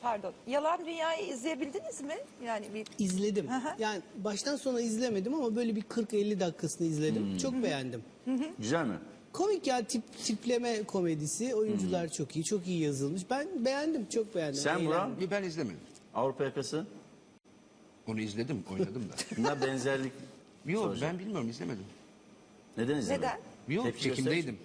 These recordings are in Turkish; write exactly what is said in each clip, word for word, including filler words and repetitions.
pardon. Yalan Dünya'yı izleyebildiniz mi? Yani bir İzledim. Hı hı. Yani baştan sona izlemedim ama böyle bir kırk elli dakikasını izledim. Çok beğendim. Güzel mi? Komik ya, tip tipleme komedisi. Oyuncular çok iyi, çok iyi yazılmış. Ben beğendim, çok beğendim. Sen Murat? Eğlendim. Bir ben izlemedim. Avrupa yakası. Onu izledim, oynadım da. Bunda benzerlik. Yok soracağım. ben bilmiyorum, izlemedim. Neden izlemedin? Neden? Yok, Tepki çekimdeydim.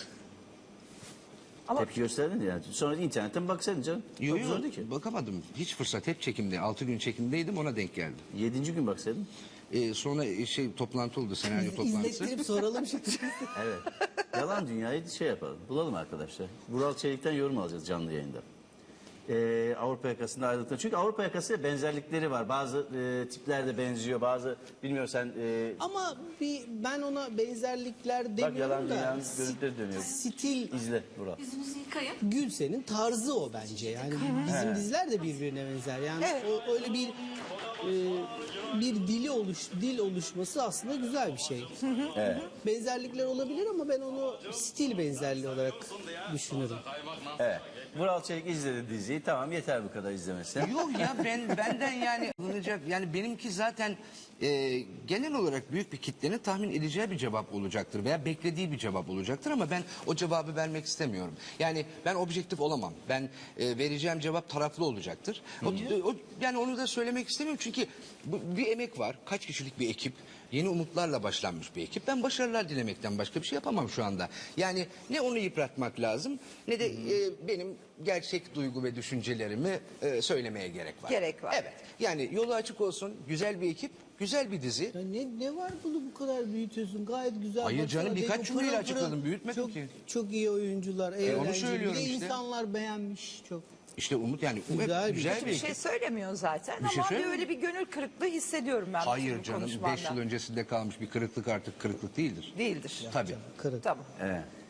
Ama Tepki gösterdin ya. Yani. Sonra internetten baksaydın canım. Yok Çok zordu ki. yok, bakamadım. Hiç fırsat, hep çekimde. Altı gün çekimdeydim, ona denk geldi. Yedinci gün baksaydın. Ee, sonra şey toplantı oldu, senaryo toplantısı. İzlettirip soralım şimdi. Evet. Yalan Dünya'yı şey yapalım. Bulalım arkadaşlar. Vural Çelik'ten yorum alacağız canlı yayında. Ee, Avrupa yakasında ayrılıkta. Çünkü Avrupa yakasıyla benzerlikleri var. Bazı e, tipler de benziyor. Bazı bilmiyorum sen e, Ama bir ben ona benzerlikler Yalan demiyorum da. Dünya'nın sti- görüntüleri dönüyor. Stil izle Vural. Yüzünüzü yıkayın. Gülsen'in tarzı o bence. Yani bizim diziler de birbirine benzer. Yani Evet. o, öyle bir e, bir dili oluş dil oluşması aslında güzel bir şey. Evet. Benzerlikler olabilir ama ben onu stil benzerliği olarak düşünürüm. Evet. Vural Çelik izledi diziyi. Tamam yeter bu kadar izlemesi. Yok ya, ben benden yani alınacak, yani benimki zaten e, genel olarak büyük bir kitlenin tahmin edeceği bir cevap olacaktır veya beklediği bir cevap olacaktır ama ben o cevabı vermek istemiyorum. Yani ben objektif olamam. Ben e, vereceğim cevap taraflı olacaktır. O, o, yani onu da söylemek istemiyorum çünkü bu, bir emek var. Kaç kişilik bir ekip. Yeni umutlarla başlanmış bir ekip. Ben başarılar dilemekten başka bir şey yapamam şu anda. Yani ne onu yıpratmak lazım ne de e, benim gerçek duygu ve düşüncelerimi e, söylemeye gerek var. Gerek var. Evet. Yani yolu açık olsun. Güzel bir ekip, güzel bir dizi. Ya ne ne var bunu bu kadar büyütüyorsun? Gayet güzel. Hayır Baksana, canım, birkaç Deko cümleyle pırıl pırıl. açıkladım, büyütmedim çok, ki. Çok iyi oyuncular, onu eğlenceli. söylüyorum Bir de işte. insanlar beğenmiş çok. İşte Umut yani um, Güzel hep bir- güzel hiçbir bir şey ekip. söylemiyor zaten. Bir şey Ama bir söylemiyor. öyle bir gönül kırıklığı hissediyorum ben. Hayır bu canım, konuşmanda. beş yıl öncesinde kalmış bir kırıklık artık kırıklık değildir. Değildir. Tabii. Kırık. Tamam. Evet.